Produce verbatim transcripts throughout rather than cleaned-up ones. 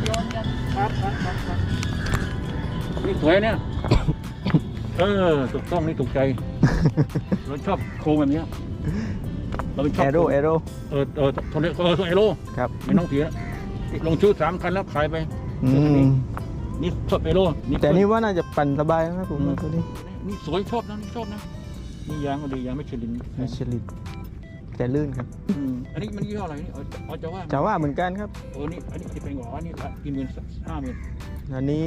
โยนกันครับครับครับครับนี่สวยเนี่ย เออถูกต้องนี่ถูกใจ เราชอบโครงแบบนี้เราชอบแอโร่แอโร่เออเออโทนี่เออโทนี่โร่ครับไม่ต้องเสียลงชื่อสามคันแล้วขายไปอืมนี่ชอบเอโร่นี่แต่นี่ว่าน่าจะปั่นสบายนะครับผมว่าตัวนี้นี่สวยชอบนะนี่ชอบนะนี่ยางก็ดียางไม่เฉลินมิชลินแต่ลื่นครับอืมอันนี้มันยี่ห้ออะไรนี่เอาจะว่าจะว่าเหมือนกันครับเออนี่อันนี้จะเป็นหัวนี่ละกี่หมื่นห้าหมื่นอันนี้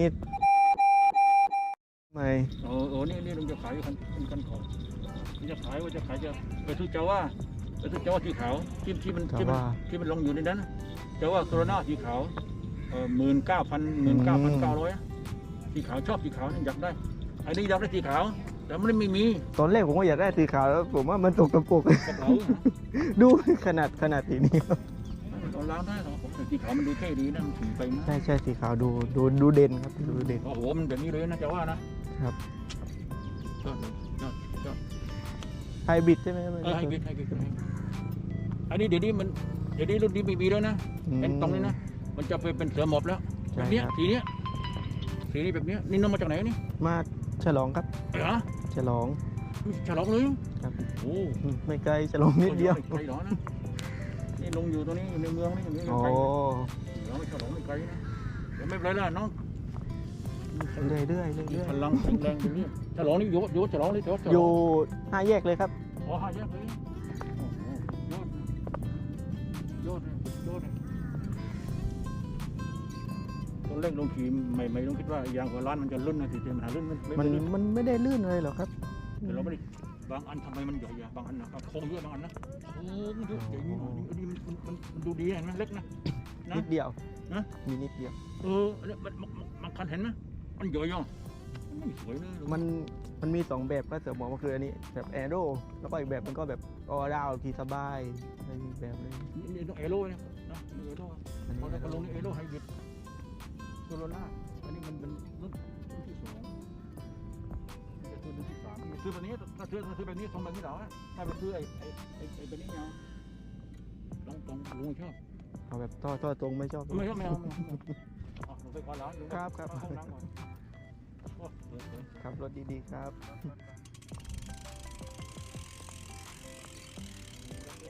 ไม่เออเออนี่นี่ลุงจะขายคันคันของลุงจะขายว่าจะขายจะไปซื้อเจ้าว่าไปซื้อเจ้าว่าสีขาวที่ที่มันที่มันที่มันลงอยู่ในนั้นเจ้าว่าโคโรนาสีขาวเออหมื่นเก้าพันหมื่นเก้าพันเก้าร้อยสีขาวชอบสีขาวนี่อยากได้อันนี้อยากได้สีขาวแต่มันไม่มีตอนแรกผมก็อยากได้สีขาวแล้วผมว่ามันตกตะปกกระเป๋าดูขนาดขนาดสีนี้ครับเราล้างได้หรอผมสีขาวมันดูเท่ดีนะมันสีไปนะใช่ใช่สีขาวดูดูดูเด่นครับดูเด่นโอ้โหมันแบบนี้เลยนะจะว่านะครับ ยอดเลยยอดยอดไฮบริดใช่ไหมครับเออให้บิดให้บิดให้อันนี้เดี๋ยวนี้มันเดี๋ยวนี้รุ่นนี้ไม่มีแล้วนะเป็นตรงนี้นะมันจะไปเป็นเสือหมอบแล้วแบบเนี้ยสีเนี้ยสีนี้แบบเนี้ยนี่น้องมาจากไหนนี่มาฉลองครับเหรอฉลองฉลองเลยครับโอ้อืมไม่ไกลฉลองนิดเดียวไกลหรอนะนี่ลงอยู่ตัวนี้อยู่ในเมืองนี่อยู่ในโอ้ไกลเราไม่ฉลองไม่ไกลนะแต่ไม่เป็นไรละน้องเรื่อยเรื่อยเรื่อยมีเรื่อยพลังแข็งแรงตรงนี้ฉลองนี่อยู่อยู่ฉลองเลยฉลองอยู่ห้าแยกเลยครับอ๋อห้าแยกเลยโอ้โหยอดยอดเลยยอดเลยตอนแรกลงขี่ใหม่ๆลงคิดว่ายางหัวร้านมันจะลื่นนะทีเดียวมันหาลื่นมันไม่มันลื่นมันไม่ได้ลื่นเลยหรอกครับแต่เราไม่ได้บางอันทำไมมันใหญ่อะบางอันนะโค้งเยอะบางอันนะโค้งเยอะอย่างนี้อันนี้มันมันมันดูดีเห็นไหมเล็กนะนะนิดเดียวนะมีนิดเดียวเอออันนี้มันมันมันคันเห็นไหมมันใหญ่ยังมันไม่สวยเลยมันมันมีสองแบบก็เสริมบอกว่าคืออันนี้แบบแอโร่แล้วก็อีกแบบมันก็แบบออดาวขี่สบายอะไรอีกแบบเลยนี่นี่ต้องเอโร่นะนะเอโร่อันพอนี้เราก็ลงนี่เอโร่ไฮบริดโซโลล่าอันนี้มันเป็นรุ่นรุ่นที่สองจะซื้อรุ่นที่สามซื้อแบบนี้ถ้าซื้อถ้าซื้อแบบนี้ทรงแบบนี้เหรอถ้าไปซื้อไอ้ไอ้ไอ้ไอ้แบบนี้เนี่ยตรงตรงลุงชอบเอาแบบต่อต่อตรงไม่ชอบไม่ชอบไม่เอาไม่เอาเอาลงไปก่อนแล้วลุงครับครับเข้าห้องน้ำก่อนโอ้เดี๋ยวเดี๋ยวขับรถดีๆครับครับ